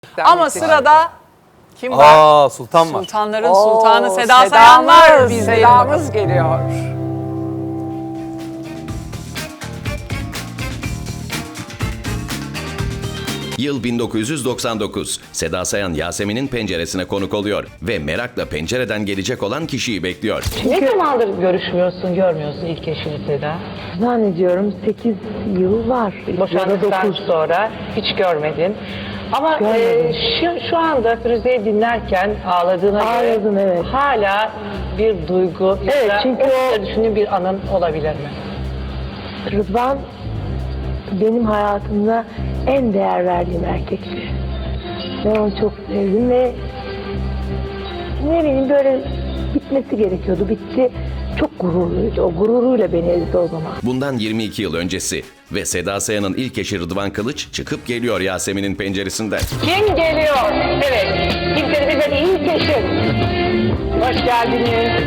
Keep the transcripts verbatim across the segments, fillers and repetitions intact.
Ama sırada kim var? Aa, Sultan var. Sultanların Oo, sultanı Seda Sedamız, Sayan var. bizlerin Sedamız bakalım. geliyor. Yıl bin dokuz yüz doksan dokuz. Seda Sayan Yasemin'in penceresine konuk oluyor ve merakla pencereden gelecek olan kişiyi bekliyor. Ne zamandır görüşmüyorsun, görmüyorsun ilk eşini Seda? Zannediyorum sekiz yıl var. Boşandıktan sonra hiç görmedin. Ama e, şu, şu anda Firuze'yi dinlerken ağladığına Ağladım, göre evet. hala bir duygu Evet, ya da çünkü o o- düşündüğün bir anın olabilir mi? Rıdvan benim hayatımda en değer verdiğim erkekti. Ben onu çok sevdim ve ne bileyim böyle bitmesi gerekiyordu. Bitti. Çok gururluydu. O gururuyla beni ezdi o zaman. Bundan yirmi iki yıl öncesi ve Seda Sayan'ın ilk eşi Rıdvan Kılıç çıkıp geliyor Yasemin'in penceresinden. Kim geliyor? Evet, kimsenin ilk eşin. Hoş geldiniz.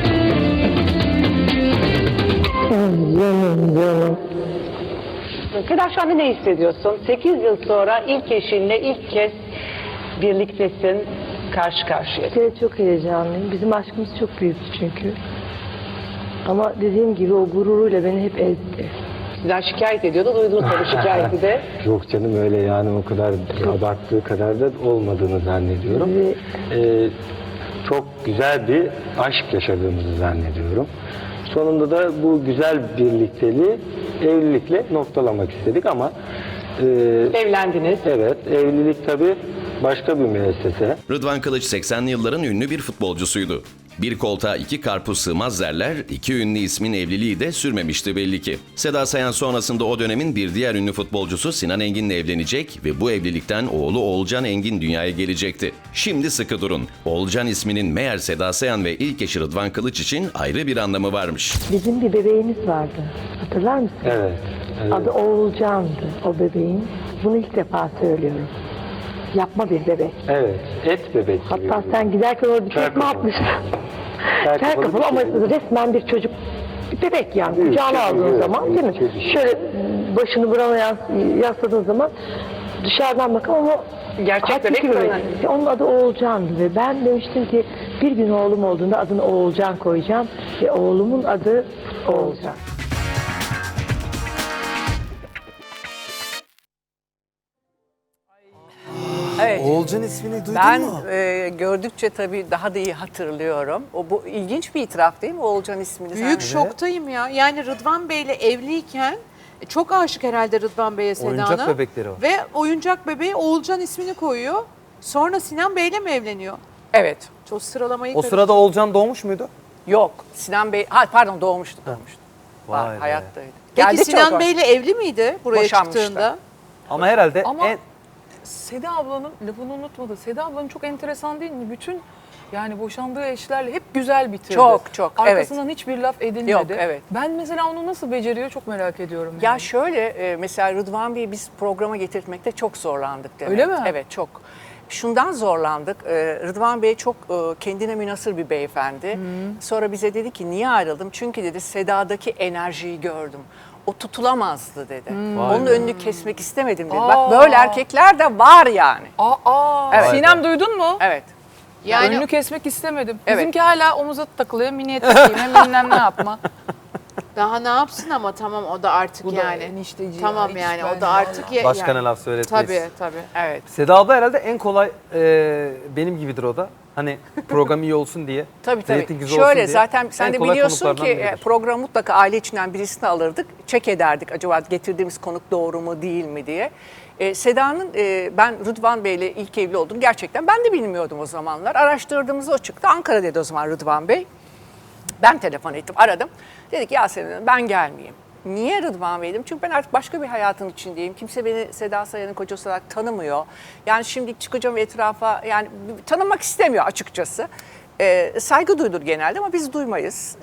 Canım canım. Seda şu anda ne hissediyorsun? sekiz yıl sonra ilk eşinle ilk kez birliktesin, karşı karşıya. Bir kere çok heyecanlıyım. Bizim aşkımız çok büyüktü çünkü. Ama dediğim gibi o gururuyla beni hep ezdi. Sizden şikayet ediyordu, duydunuz tabii şikayeti de. Yok canım öyle yani o kadar abarttığı kadar da olmadığını zannediyorum. Ve Ee, çok güzel bir aşk yaşadığımızı zannediyorum. Sonunda da bu güzel birlikteliği evlilikle noktalamak istedik ama e, Evlendiniz. evet evlilik tabii başka bir müessese. Rıdvan Kılıç seksenli yılların ünlü bir futbolcusuydu. Bir koltuğa iki karpuz sığmaz derler, iki ünlü ismin evliliği de sürmemişti belli ki. Seda Sayan sonrasında o dönemin bir diğer ünlü futbolcusu Sinan Engin'le evlenecek ve bu evlilikten oğlu Oğulcan Engin dünyaya gelecekti. Şimdi sıkı durun. Oğulcan isminin meğer Seda Sayan ve ilk eşi Rıdvan Kılıç için ayrı bir anlamı varmış. bizim bir bebeğimiz vardı. Hatırlar mısın? Evet. evet. Adı Oğulcan'dı o bebeğin. Bunu ilk defa söylüyorum. Yapma bir bebek. Evet. Et bebek gibi. Hatta sen giderken orada bir Kel tekme kafalı. atmıştın. Kel Kel kafalı kafalı bir ama şey. resmen bir çocuk. Bir bebek yani. Büyük, Kucağına şey, aldığın evet, zaman değil mi? büyük, şey. Şöyle başını burama yas- yasladığın zaman dışarıdan bakın ama Gerçek hakiki bebek bir mi? bebek. Onun adı Oğulcan'dı ve ben demiştim ki bir gün oğlum olduğunda adını Oğulcan koyacağım ve oğlumun adı Oğulcan. Evet. Oğulcan ismini duydun Ben mu? e, gördükçe tabii daha da iyi hatırlıyorum. O bu ilginç bir itiraf değil mi Oğulcan ismini? Büyük sen? şoktayım ya. Yani Rıdvan Bey'le evliyken e, çok aşık herhalde Rıdvan Bey'e Seda'na. Oyuncak bebekleri var. Ve oyuncak bebeği Oğulcan ismini koyuyor. Sonra Sinan Bey'le mi evleniyor? Evet. Çok sıralamayı O sırada Oğulcan doğmuş muydu? Yok. Sinan Bey, ha pardon doğmuştu, doğmuştu. Vay Var, be. hayattaydı. Peki Geldi Sinan çok- Bey'le evli miydi buraya Boşanmıştı. çıktığında? Ama herhalde Ama en... Seda ablanın lafını unutmadı. Seda ablanın çok enteresan değil mi? Bütün yani boşandığı eşlerle hep güzel bitirdi. Çok, çok, evet. Arkasından hiçbir laf edilmedi. Yok, evet. Ben mesela onu nasıl beceriyor çok merak ediyorum. Ya yani. şöyle e, mesela Rıdvan Bey'i biz programa getirtmekte çok zorlandık demek. Öyle mi? Evet çok. Şundan zorlandık. e, Rıdvan Bey çok e, kendine münhasır bir beyefendi. Sonra bize dedi ki niye ayrıldım? Çünkü dedi Seda'daki enerjiyi gördüm. O tutulamazdı dedi. Vay Onun be. önünü kesmek istemedim dedi. Aa. Bak böyle erkekler de var yani. Aa, aa. Evet. Sinem duydun mu? Evet. Yani, Önünü kesmek istemedim. Evet. Bizimki hala omuza takılıyor. Mini etek giyme bilmem ne yapma. Daha ne yapsın ama tamam o da artık Bu da yani. enişteci Tamam ya, hiç yani ben o da artık ya, Başkana yani. laf söyletmeyiz. Tabii tabii. Evet. Seda abla herhalde en kolay e, benim gibidir o da. Hani program iyi olsun diye. Tabii tabii. reytinginiz olsun Şöyle diye. zaten sen En de kolay biliyorsun ki konuklardan e, biridir. program mutlaka aile içinden birisini alırdık. Çek ederdik acaba getirdiğimiz konuk doğru mu değil mi diye. E, Seda'nın e, ben Rıdvan Bey'le ilk evli olduğunu gerçekten ben de bilmiyordum o zamanlar. Araştırdığımızda o çıktı. Ankara dedi o zaman Rıdvan Bey. Ben telefon ettim, aradım. Dedik Yasemin Hanım ben gelmeyeyim. Niye Rıdvan Bey'dim? Çünkü ben artık başka bir hayatın içindeyim. Kimse beni Seda Sayan'ın kocası olarak tanımıyor. Yani şimdi çıkacağım etrafa yani tanımak istemiyor açıkçası. Ee, saygı duyulur genelde ama biz duymayız.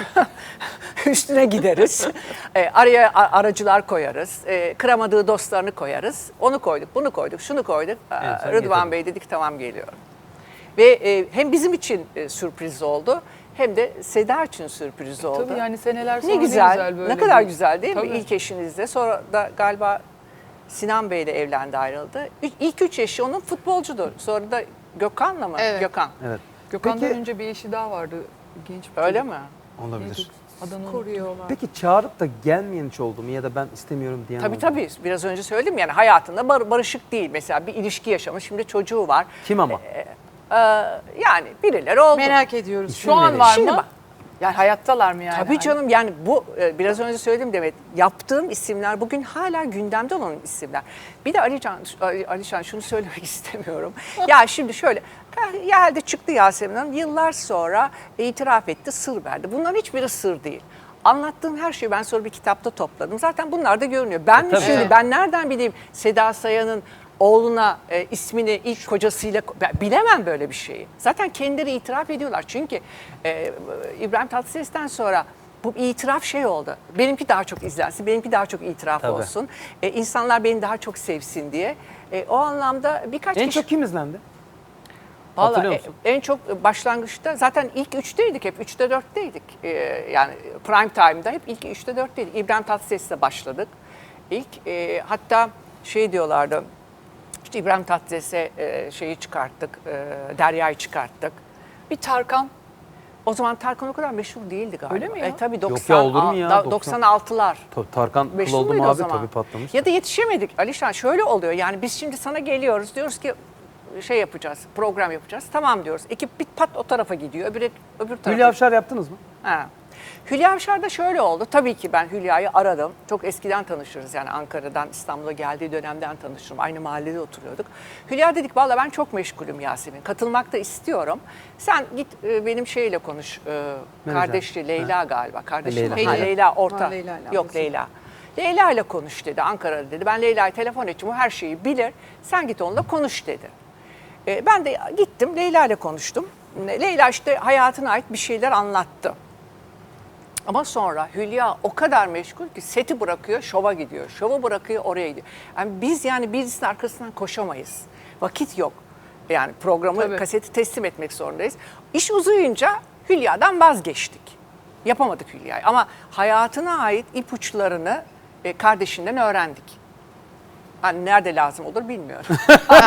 Ee, üstüne gideriz. Ee, araya a- aracılar koyarız. Ee, kıramadığı dostlarını koyarız. Onu koyduk, bunu koyduk, şunu koyduk. Ee, En son Rıdvan getirdim. Bey dedik tamam geliyorum. Ve e, hem bizim için e, sürpriz oldu hem de Seda için sürpriz oldu. Tabii yani seneler sonra Ne güzel, ne güzel böyle. ne kadar bir- güzel değil mi? Tabii. İlk eşinizde. Sonra da galiba Sinan Bey'le evlendi, ayrıldı. İlk, ilk üç eşi onun futbolcudur. Sonra da Gökhan'la mı? Evet. Gökhan. Evet. Gökhan'dan Peki- önce bir eşi daha vardı. Genç bir Öyle çocuk. mi? Olabilir. Neydi? Adını Koruyorlar. Peki çağırıp da gelmeyen hiç oldu mu ya da ben istemiyorum diyen Tabii oldu mu? tabii. Biraz önce söyledim yani hayatında bar- barışık değil. Mesela bir ilişki yaşamış. Şimdi çocuğu var. Kim ama? Ee, yani birileri oldu. Merak ediyoruz. Şu an verin. var Şimdi mı? bak- Yani hayattalar mı yani? Tabii canım, yani bu e, biraz önce söyledim Demet, yaptığım isimler bugün hala gündemde olan isimler. Bir de Alican, Ali- Alişan şunu söylemek istemiyorum. Ya şimdi şöyle, geldi çıktı Yasemin Hanım, yıllar sonra itiraf etti, sır verdi. Bunların hiçbiri sır değil. Anlattığım her şeyi ben sonra bir kitapta topladım. Zaten bunlar da görünüyor. Ben mi tabii. şimdi, Evet. ben nereden bileyim Seda Sayan'ın oğluna e, ismini ilk kocasıyla, ben bilemem böyle bir şeyi. Zaten kendileri itiraf ediyorlar. Çünkü e, İbrahim Tatlıses'ten sonra bu itiraf şey oldu. Benimki daha çok izlensin, benimki daha çok itiraf Tabii. olsun. E, insanlar beni daha çok sevsin diye. E, o anlamda birkaç En kişi... çok kim izlendi? Vallahi Hatırlıyor e- musun? en çok başlangıçta zaten ilk üçteydik hep. Üçte dörtteydik. Ee, yani prime time'da hep ilk üçte dörtteydik. İbrahim Tatlıses'le başladık. İlk e, hatta şey diyorlardı. İşte İbrahim Tatlıses'e e, şeyi çıkarttık. E, Derya'yı çıkarttık. Bir Tarkan. O zaman Tarkan o kadar meşhur değildi galiba. Öyle mi ya? E, tabii Yok doksan, ya, olur mu ya? da- doksan. doksan altılar. Tabii Tarkan kıl Meşhur oldum muydu o abi zaman? tabii patlamış. Ya da yetişemedik Alişan. Şöyle oluyor yani biz şimdi sana geliyoruz, diyoruz ki şey yapacağız, program yapacağız. Tamam diyoruz. Ekip bir pat o tarafa gidiyor, öbür, öbür tarafa. Hülya Avşar yaptınız mı? Ha. Hülya Avşar'da şöyle oldu. Tabii ki ben Hülya'yı aradım. Çok eskiden tanışırız yani Ankara'dan İstanbul'a geldiği dönemden tanıştım. Aynı mahallede oturuyorduk. Hülya dedik valla ben çok meşgulüm Yasemin. Katılmak da istiyorum. Sen git e, benim şeyle konuş. E, kardeşi Leyla galiba. Kardeşi Leyla. mi? Ha, Leyla. Leyla orta. Ha, Leyla ile Yok ablası. Leyla. Leyla ile konuş dedi Ankara'da dedi. Ben Leyla'ya telefon edeceğim. O her şeyi bilir. Sen git onunla konuş dedi. E, ben de gittim Leyla ile konuştum. Leyla işte hayatına ait bir şeyler anlattı. Ama sonra Hülya o kadar meşgul ki seti bırakıyor, şova gidiyor. Şovu bırakıyor, oraya gidiyor. Yani biz yani birisinin arkasından koşamayız. Vakit yok. Yani programı, Tabii. kaseti teslim etmek zorundayız. İş uzayınca Hülya'dan vazgeçtik. Yapamadık Hülya'yı. Ama hayatına ait ipuçlarını e, kardeşinden öğrendik. Hani nerede lazım olur bilmiyorum.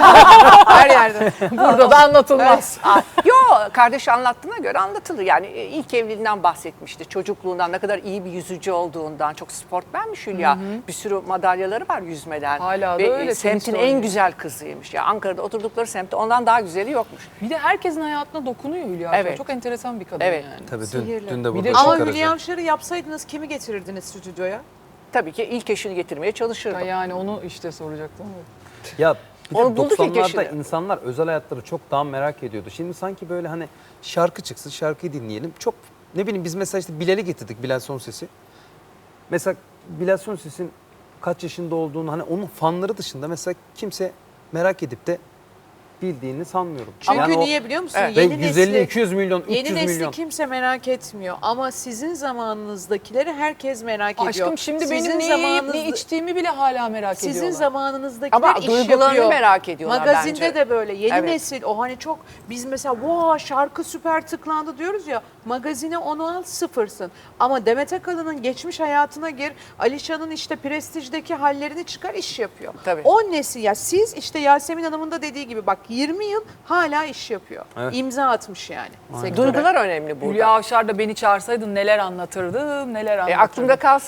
Her yerde. Burada da anlatılmaz. Aa, Yo, kardeşi anlattığına göre anlatılır. Yani e, ilk evliliğinden bahsetmişti. Çocukluğundan ne kadar iyi bir yüzücü olduğundan. Çok sportmenmiş Hülya. Bir sürü madalyaları var yüzmeden. Hala da Ve, e, öyle, semtin tenis en oynuyor. güzel kızıymış. Ya Ankara'da oturdukları semtte ondan daha güzeli yokmuş. Bir de herkesin hayatına dokunuyor Hülya Avşar. Evet. Çok enteresan bir kadın Evet. yani. Tabii dün, Sihirli. dün de Bir burada de- Işık Ama Karaca. Hülya Avşar'ı yapsaydınız kimi getirirdiniz stüdyoya? Tabii ki ilk eşini getirmeye çalışırdım. Ya yani onu işte soracaktım. Ya bir de Onu bulduk ilk doksanlarda eşini. insanlar özel hayatları çok daha merak ediyordu. Şimdi sanki böyle hani şarkı çıksın, şarkıyı dinleyelim. Çok ne bileyim biz mesela işte Bilal'i getirdik, Bilal Sonses'i. Mesela Bilal Sonses'in kaç yaşında olduğunu hani onun fanları dışında mesela kimse merak edip de bildiğini sanmıyorum. Çünkü Yani o- niye biliyor musun? Evet. Ve Yeni yüz elli nesli, iki yüz milyon, üç yeni yüz nesli milyon. kimse merak etmiyor. Ama sizin zamanınızdakileri herkes merak ediyor. Aşkım şimdi Sizin benim ne yiyip ne zamanınızda- içtiğimi bile hala merak Sizin ediyorlar. zamanınızdakiler Ama iş duygularını yapıyor. merak ediyorlar Magazinde bence. de böyle yeni Evet. nesil o hani çok biz mesela wow şarkı süper tıklandı diyoruz ya magazine onu al sıfırsın. Ama Demet Akalın'ın geçmiş hayatına gir Alişan'ın işte prestijdeki hallerini çıkar iş yapıyor. Tabii. O nesil ya siz işte Yasemin Hanım'ın da dediği gibi bak yirmi yıl hala iş yapıyor. Evet. İmza atmış yani. sektöre. Duygular önemli burada. Hülya Avşar da beni çağırsaydın neler anlatırdım, neler E, anlatırdım. aklımda kalsın